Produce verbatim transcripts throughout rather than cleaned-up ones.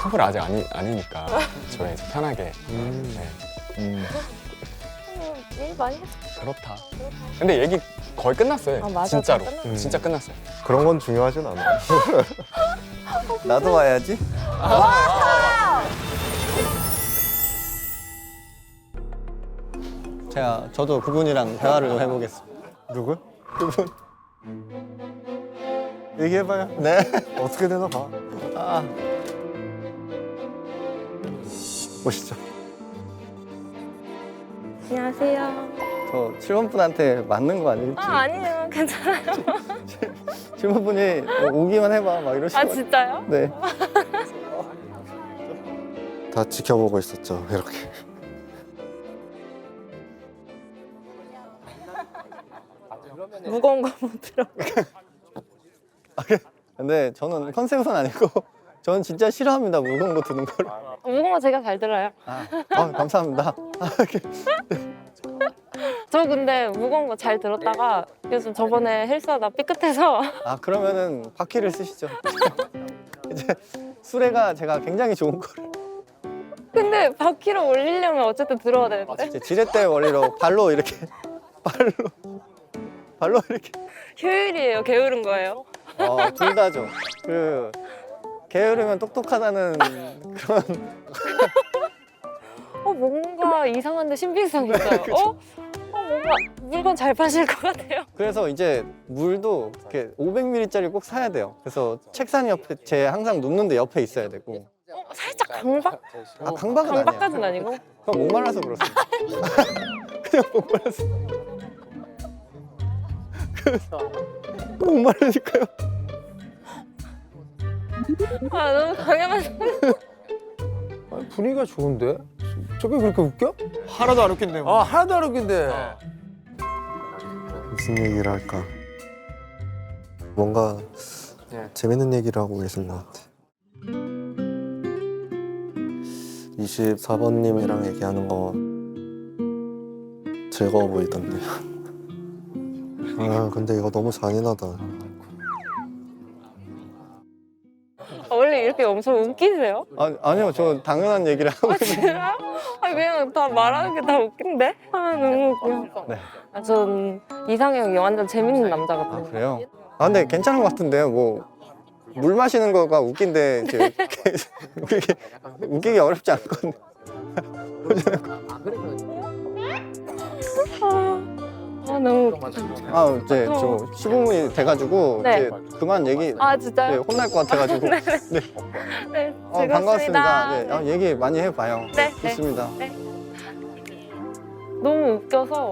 커플 아직 아니, 아니니까 저희 이제 편하게. 음. 네. 음, 일 많이 했어. 그렇다. 근데 얘기 거의 끝났어요. 아, 맞아. 진짜로. 다 끝났어. 음. 진짜 끝났어요. 그런 건 중요하진 않아. 나도 와야지. 제가 저도 그분이랑 대화를 좀 해보겠습니다. 누구? 그분. 얘기해봐요. 네. 어떻게 되나 봐. 아, 보시죠. 안녕하세요. 저 칠 번 분한테 맞는 거 아닐지. 아, 아니에요. 괜찮아요. 칠 번 분이 오기만 해봐 막 이러시고. 아, 진짜요? 네. 다 지켜보고 있었죠. 이렇게. 무거운 거 못 들어. 근데 저는 컨셉은 아니고 저는 진짜 싫어합니다. 무거운 거 드는 걸. 무거운 거 제가 잘 들어요. 아, 아 감사합니다. 아, 이렇게. 저 근데 무거운 거 잘 들었다가 요즘 저번에 헬스하다 삐끗해서 아 그러면은 바퀴를 쓰시죠. 이제 수레가 제가 굉장히 좋은 거를 근데 바퀴를 올리려면 어쨌든 들어야 되는데 이제 지렛대 원리로 발로 이렇게 발로 발로 이렇게 효율이에요? 게으른 거예요? 어, 둘 다죠. 그 게으르면 똑똑하다는 그런 어 뭔가 이상한데 신빙성이 있어요. 어? 어 뭔가 물건 잘 파실 것 같아요. 그래서 이제 물도 이렇게 오백 밀리리터짜리 꼭 사야 돼요. 그래서 책상 옆에 제 항상 눕는데 옆에 있어야 되고. 어, 살짝 강박? 아 강박은 아니야. 강박까지는 아니고 그냥 목말라서 그렇습니다. 그냥 목말라서. 목말라니까요. 아 너무 당연한 아니, 분위기가 좋은데? 저게 그렇게 웃겨? 하나도 안 웃긴데. 아 하나도 안 웃긴데. 무슨 얘기를 할까? 뭔가 네. 재밌는 얘기를 하고 계신 것 같아. 이십사 번님이랑 얘기하는 거 즐거워 보이던데. 아 근데 이거 너무 잔인하다. 아, 원래 이렇게 엄청 웃기세요? 아, 아니요, 저 당연한 얘기를 하고 아 있는데. 진짜? 아 그냥 다 말하는 게 다 웃긴데? 아 너무 웃겨. 네. 아, 전 이상형이 완전 재밌는 남자 아 같아요. 그래요? 아 근데 괜찮은 것 같은데요. 뭐 물 마시는 거가 웃긴데 이제 웃기기, 웃기기 어렵지 않거든요. 아, 아 너무 웃겨. 아 이제 저 십오 분이 돼가지고 네. 이제 그만 얘기 아 네, 진짜요? 혼날 것 같아가지고. 네. 네, 어, 즐겁습니다. 반갑습니다. 네, 아, 얘기 많이 해봐요. 네, 네. 좋습니다. 너무 웃겨서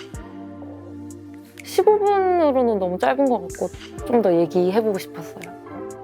십오 분으로는 너무 짧은 것 같고 좀 더 얘기해보고 싶었어요.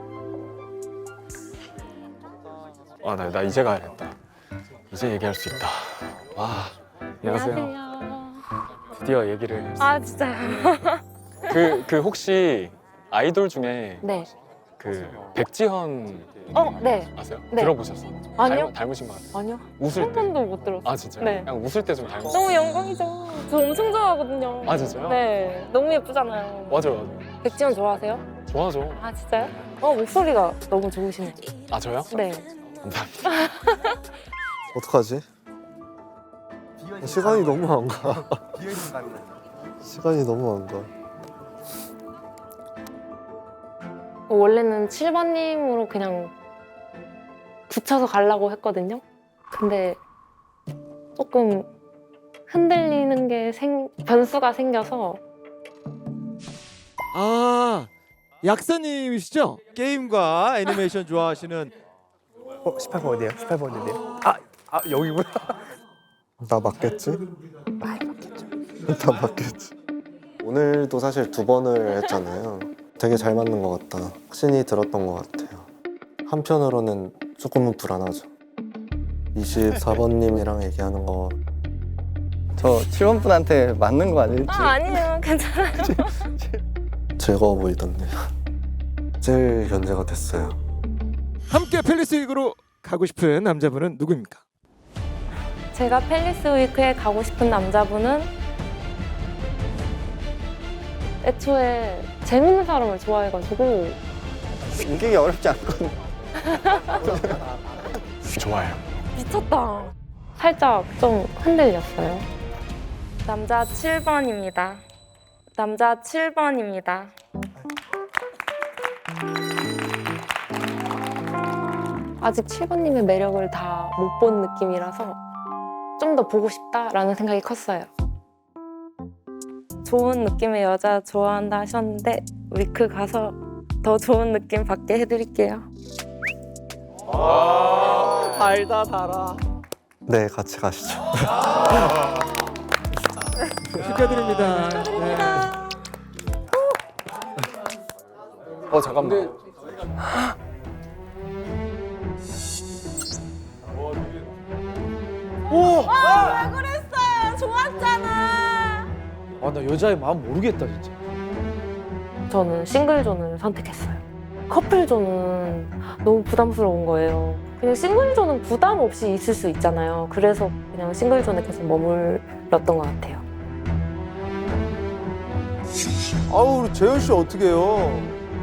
아, 나, 나 이제 가야겠다. 이제 얘기할 수 있다. 와, 안녕하세요. 안녕하세요. 드디어 얘기를. 아 진짜요? 그, 그 혹시 아이돌 중에 네. 그 백지현 어, 네. 아세요? 네. 들어보셨어? 아니요. 닮, 닮으신 것 같아요. 아니요. 웃을 한 때. 번도 못 들었어요. 아 진짜요? 네. 그냥 웃을 때 좀 닮았어. 너무 영광이죠. 저 엄청 좋아하거든요. 아 진짜요? 네. 너무 예쁘잖아요. 맞아요, 맞아요. 백지원 좋아하세요? 좋아하죠. 아 진짜요? 어 목소리가 너무 좋으시네요. 아 저요? 네. 감사합니다. 어떡하지? 시간이 너무 안 가. 시간이 너무 안 가. 원래는 칠 번님으로 그냥 붙여서 가려고 했거든요. 근데 조금 흔들리는 게 생, 변수가 생겨서 아, 약사님이시죠? 게임과 애니메이션 좋아하시는. 어 십팔 번 어디에요? 십팔 번 어디에요? 아, 아 여기구나. 나 맞겠지? 나 맞겠지. 오늘도 사실 두 번을 했잖아요. 되게 잘 맞는 것 같다. 확신이 들었던 것 같아요. 한편으로는 조금은 불안하죠. 이십사 번님이랑 얘기하는 거 저 칠 번 분한테 맞는 거 아닐지. 아 아니에요. 괜찮아요. 즐거워 보이던데. 제일 견제가 됐어요. 함께 팰리스 위크로 가고 싶은 남자분은 누구입니까? 제가 팰리스 위크에 가고 싶은 남자분은 애초에 재밌는 사람을 좋아해가지고 웃기기 어렵지 않거든요. 좋아해요. 미쳤다. 살짝 좀 흔들렸어요. 남자 칠 번입니다. 남자 칠 번입니다. 아직 칠 번님의 매력을 다 못 본 느낌이라서 좀 더 보고 싶다라는 생각이 컸어요. 좋은 느낌의 여자 좋아한다 하셨는데 위크 가서 더 좋은 느낌 받게 해드릴게요. 달다 달아. 네, 같이 가시죠. 축하드립니다. 네. 어 잠깐만. 아, 나 여자의 마음 모르겠다 진짜. 저는 싱글존을 선택했어요. 커플존은 너무 부담스러운 거예요. 그냥 싱글존은 부담 없이 있을 수 있잖아요. 그래서 그냥 싱글존에 계속 머물렀던 것 같아요. 아우 우리 재현 씨 어떻게 해요?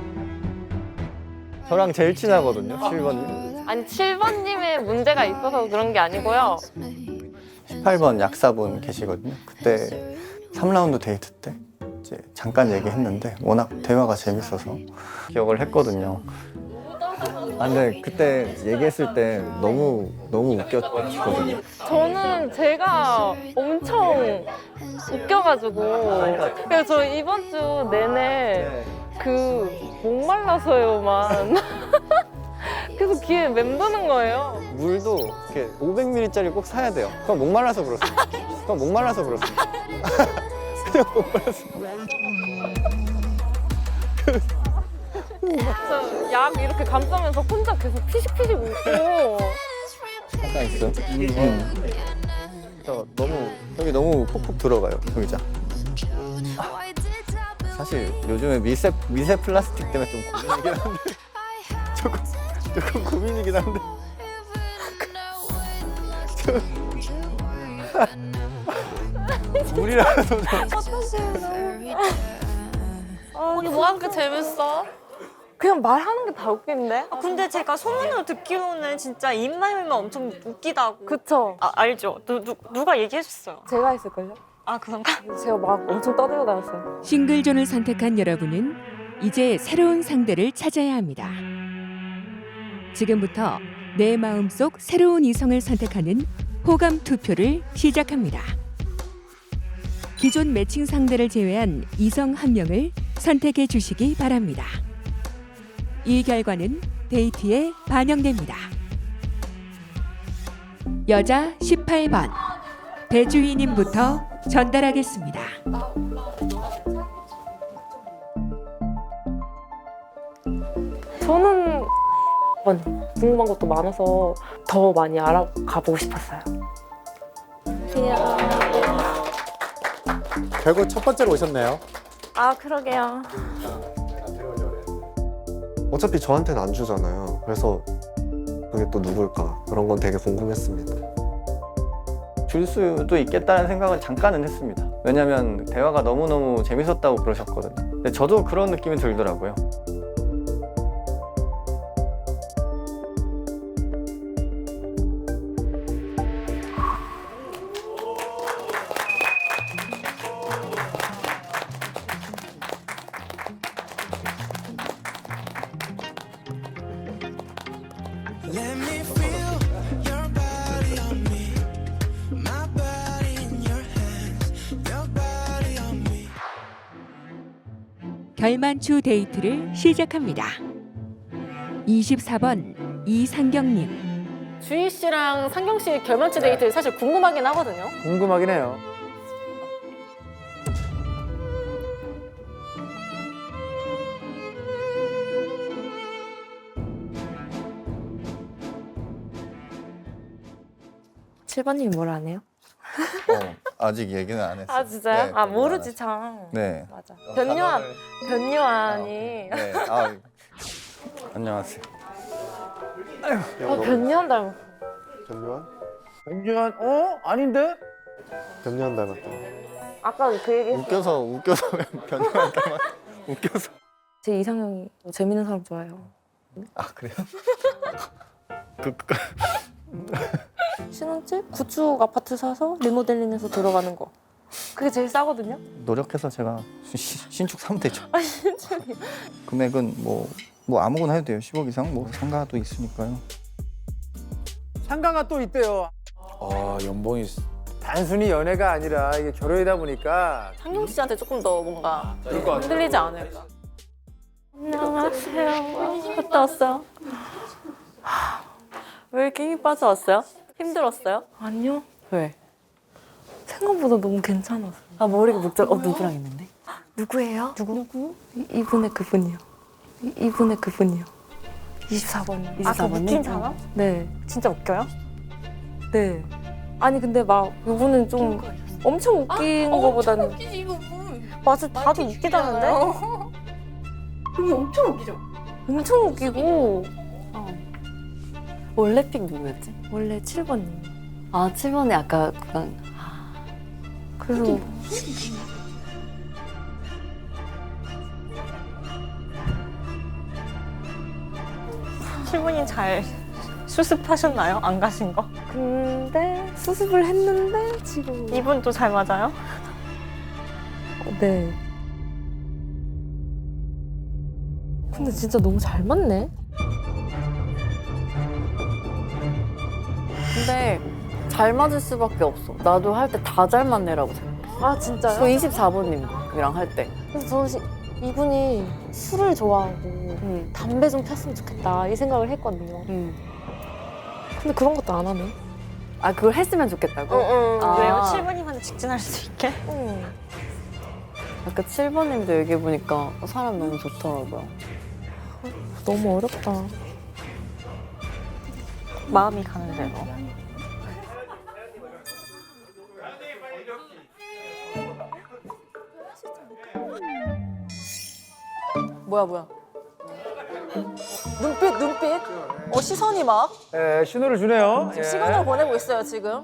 저랑 제일 친하거든요. 칠 번님. 아니 칠 번님의 문제가 있어서 그런 게 아니고요. 십팔 번 약사분 계시거든요. 그때 삼 라운드 데이트 때 이제 잠깐 얘기했는데 워낙 대화가 재밌어서 기억을 했거든요. 아, 근데 그때 얘기했을 때 너무 너무 웃겼거든요. 저는 제가 엄청 웃겨가지고 그래서 저 이번 주 내내 그 목말라서요만 계속 귀에 맴도는 거예요. 물도 이렇게 오백 밀리리터짜리 꼭 사야 돼요. 그건 목말라서 그렇습니다. 그건 목말라서 그렇습니다. 그냥 목말라서. 저 약 이렇게 감싸면서 혼자 계속 피식피식 웃고 잠깐 있어. 음. 저 너무 여기 너무 푹푹 들어가요 의자. 사실 요즘에 미세 미세 플라스틱 때문에 좀 고민이긴 한데 조금 조금 고민이긴 한데. 물이라도 좀. 언니 뭐가 그렇게 재밌어? 그냥 말하는 게 다 웃긴데? 아, 근데 제가 소문으로 듣기로는 진짜 입만 열면 엄청 웃기다고. 그쵸? 아, 알죠? 누, 누, 누가 얘기해줬어요. 제가 했을걸요? 아, 그런가? 제가 막 엄청 떠들고 다녔어요. 싱글존을 선택한 여러분은 이제 새로운 상대를 찾아야 합니다. 지금부터 내 마음속 새로운 이성을 선택하는 호감 투표를 시작합니다. 기존 매칭 상대를 제외한 이성 한 명을 선택해 주시기 바랍니다. 이 결과는 데이트에 반영됩니다. 여자 십팔 번 배주희님부터 전달하겠습니다. 저는 궁금한 것도 많아서 더 많이 알아가 보고 싶었어요. 결국 첫 번째로 오셨네요. 아 그러게요. 어차피 저한테는 안 주잖아요. 그래서 그게 또 누굴까? 그런 건 되게 궁금했습니다. 줄 수도 있겠다는 생각은 잠깐은 했습니다. 왜냐면 대화가 너무너무 재밌었다고 그러셨거든요. 근데 저도 그런 느낌이 들더라고요. 결만추 데이트를 시작합니다. 이십사 번 이상경님. 주희 씨랑 상경 씨 결만추 데이트 사실 궁금하긴 하거든요. 궁금하긴 해요. 칠 번님이 뭘 안 해요? 어, 아직 얘기는 안 했어요. 아 진짜요? 네, 아 네, 모르지 안 참. 네. 맞아. 변요한 변요한이. 네. 아, 안녕하세요. 어 변요한 닮았어. 변요한? 변주한 어? 아닌데? 변요한 닮았다. 아까 그 얘기. 웃겨서 웃겨서 변형할 때만 웃겨서. 제 이상형이 재밌는 사람 좋아해요. 아 그래요? 그, 그 신혼집 구축 아파트 사서 리모델링해서 들어가는 거. 그게 제일 싸거든요. 노력해서 제가 시- 신축 사면 되죠. 아 신축이. 금액은 뭐, 뭐 아무거나 해도 돼요. 십억 이상 뭐 상가도 있으니까요. 상가가 또 있대요. 아 연봉이 단순히 연애가 아니라 이게 결혼이다 보니까 상용 씨한테 조금 더 뭔가 그럴 것 같아요. 흔들리지 않을까. 안녕하세요. 갔다 왔어요? 왜 이렇게 힘이 빠져왔어요? 힘들었어요? 아니요. 왜? 생각보다 너무 괜찮았어요. 아 머리가 목적 어 누구랑 있는데? 누구예요? 누구? 누구? 이, 이분의 그분이요. 이, 이분의 그분이요. 이십사 번이요. 아그 웃긴 사람? 네. 진짜 웃겨요? 네. 아니 근데 막 이분은 좀 엄청 웃긴 거보다는 맞아, 다들 웃기다는데? 엄청 웃기고 원래 픽 누구였지? 원래 칠 번이에요. 아 칠 번에 아까 그냥 그래서 칠 분이 잘 수습하셨나요? 안 가신 거? 근데 수습을 했는데 지금 이분도 잘 맞아요? 네. 근데 진짜 너무 잘 맞네. 근데 잘 맞을 수밖에 없어. 나도 할 때 다 잘 맞네라고 생각해. 아 진짜요? 저 이십사 번님이랑 할 때. 그래서 저는 시- 이분이 술을 좋아하고 응. 담배 좀 폈으면 좋겠다 이 생각을 했거든요. 응. 근데 그런 것도 안 하네. 아 그걸 했으면 좋겠다고? 아. 왜요? 칠 분이면 직진할 수 있게? 응. 아까 칠 번님도 얘기해보니까 사람 너무 좋더라고요. 너무 어렵다. 마음이 가는 대로. 뭐야 뭐야. 눈빛 눈빛. 어 시선이 막 예, 신호를 주네요. 예. 시간을 보내고 있어요 지금.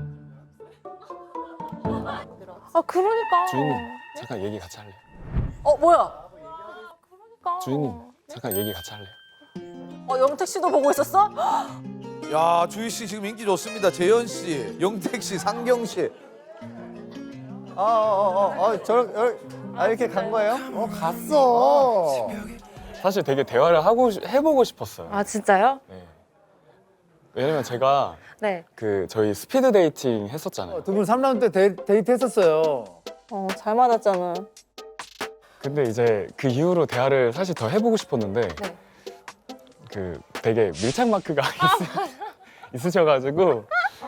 아 그러니까. 주인님 잠깐 얘기 같이 할래요? 어 뭐야? 주인님 잠깐 얘기 같이 할래요? 어 영택 씨도 보고 있었어? 야 주희 씨 지금 인기 좋습니다. 재현 씨, 영택 씨, 상경 씨. 아, 어, 어, 어, 저, 어, 아, 이렇게 간 거예요? 어, 갔어. 사실 되게 대화를 하고 싶- 해보고 싶었어요. 아 진짜요? 네. 왜냐면 제가 네. 그 저희 스피드 데이팅 했었잖아요. 두 분 삼 라운드 때 데이, 데이트 했었어요. 어 잘 맞았잖아. 근데 이제 그 이후로 대화를 사실 더 해보고 싶었는데 네. 그 되게 밀착 마크가 있, 있으셔가지고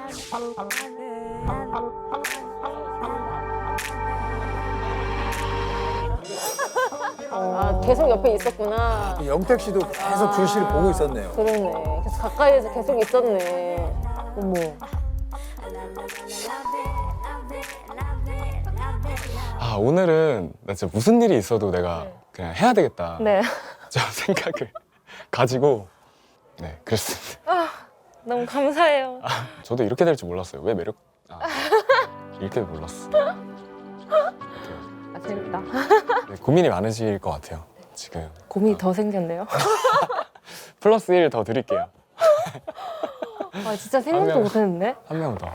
아 계속 옆에 있었구나. 영택 씨도 계속 주희 씨를 보고 있었네요. 그러네. 계속 가까이에서 계속 있었네. 어머. 아 오늘은 나 진짜 무슨 일이 있어도 내가 그냥 해야 되겠다 네. 저 생각을 가지고 네 그랬습니다. 너무 감사해요. 저도 이렇게 될 줄 몰랐어요. 왜 매력 아, 이렇게 몰랐어. 아 재밌다. 네, 고민이 많으실 것 같아요 지금. 고민이 더 생겼네요. 플러스 일 더 드릴게요. 아 진짜 생각도 명. 못했는데. 한 명 더.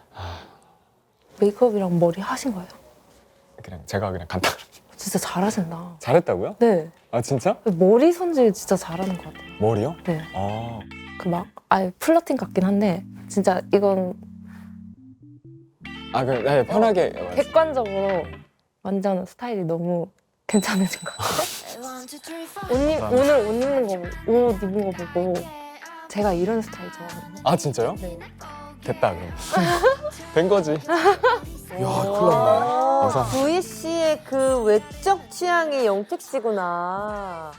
메이크업이랑 머리 하신 거예요? 그냥 제가 그냥 간단히 진짜 잘하신다. 잘했다고요? 네. 아 진짜? 머리 손질 진짜 잘하는 것 같아요. 머리요? 네. 아 그 막 아예 플러팅 같긴 한데 진짜 이건 아, 그, 네, 편하게. 객관적으로 완전 스타일이 너무 괜찮으신 것 같아요. 옷, 입, 오늘 옷 입는 거, 옷 입은 거 보고 제가 이런 스타일 좋아하거든요. 아, 진짜요? 네. 됐다, 그럼. 된 거지. 야 큰일 났네. 감사합니다. 주희 씨의 그 외적 취향이 영택 씨구나.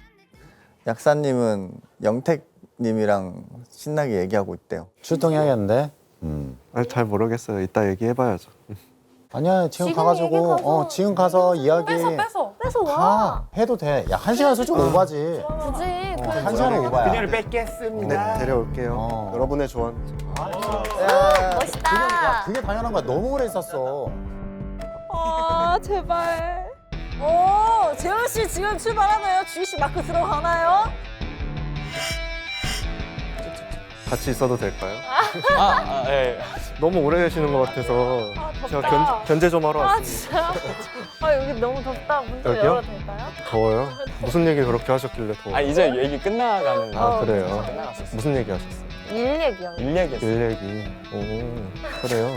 약사님은 영택님이랑 신나게 얘기하고 있대요. 출동해야겠는데. 음. 아, 잘 모르겠어요. 이따 얘기해봐야죠. 아니야 지금, 지금 가가지고 얘기 가서. 어 지금 가서 이야기 뺏어, 뺏어, 뺏어 와. 가 해도 돼. 야 한 시간 솔직히 오바지. 굳이. 어, 한 시간은 오바야. 그녀를 뺏겠습니다. 네, 데려올게요. 어. 여러분의 조언. 야, 멋있다. 그게, 야, 그게 당연한 거야. 너무 오래 있었어. 아 제발. 오 재현 씨 지금 출발하나요? 주희 씨 마크 들어가나요? 같이 있어도 될까요? 아, 아 예. 너무 오래 계시는 것 같아서 아, 제가 덥다. 견, 견제 좀 하러 아, 왔습니다. 진짜요? 아, 여기 너무 덥다. 문 좀 여기요? 열어도 될까요? 더워요? 무슨 얘기 그렇게 하셨길래 더워요? 아 이제 얘기 끝나가는. 아, 어, 그래요? 끝나갔었어. 무슨 얘기 하셨어요? 일 얘기요. 일 얘기했어. 일 얘기. 오, 그래요?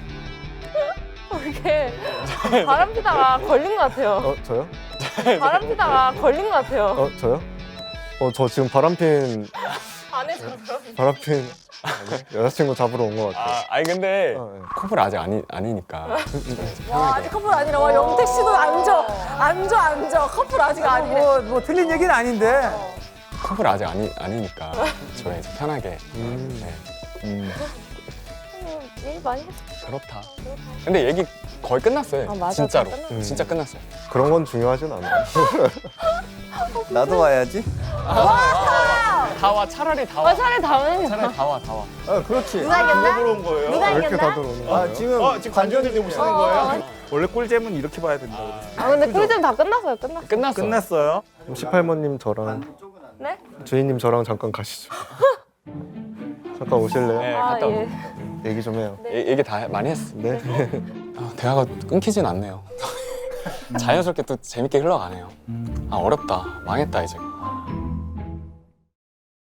이게 바람 피다가 걸린 것 같아요. 어, 저요? 바람 피다가 걸린 것 같아요. 어, 저요? 어, 저 지금 바람핀, 안에서 바람핀 아니, 여자친구 잡으러 온 것 같아요. 아, 아니 근데 어, 예. 커플 아직 아니 아니니까. 와, 아직 커플 아니라 와, 영택 씨도 앉아. 앉아, 앉아. 커플 아직 아니래. 뭐, 뭐 틀린 얘기는 아닌데. 커플 아직 아니 아니니까 저희 이제 편하게. 음, 네. 음, 일 많이 했어. 그렇다. 근데 얘기 거의 끝났어요. 아, 맞아. 진짜로. 다 끝났어. 음. 진짜 끝났어요. 그런 건 중요하진 않아요. 나도 와야지. 다 와. 차라리 다 와. 아, 차라리 다음에 차라리 다 와. 다 와. 아, 그렇지. 누가 이겼나? 온 거예요? 누가 왜 이렇게 이겼나? 다들 오는 거예요? 아, 지금 어, 지금 관전들이 오시는 거예요? 원래 꿀잼은 이렇게 봐야 된다고. 아, 근데 꿀잼 다 끝났어요. 끝났어. 끝났어. 끝났어요. 그럼 십팔 번님 저랑 네? 주인님 저랑 잠깐 가시죠. 잠깐 오실래요? 네, 아, 갔다 예. 얘기 좀 해요. 얘- 얘기 다 많이 했어. 네. 아, 대화가 끊기진 않네요. 자연스럽게 또 재밌게 흘러가네요. 아 어렵다. 망했다 이제.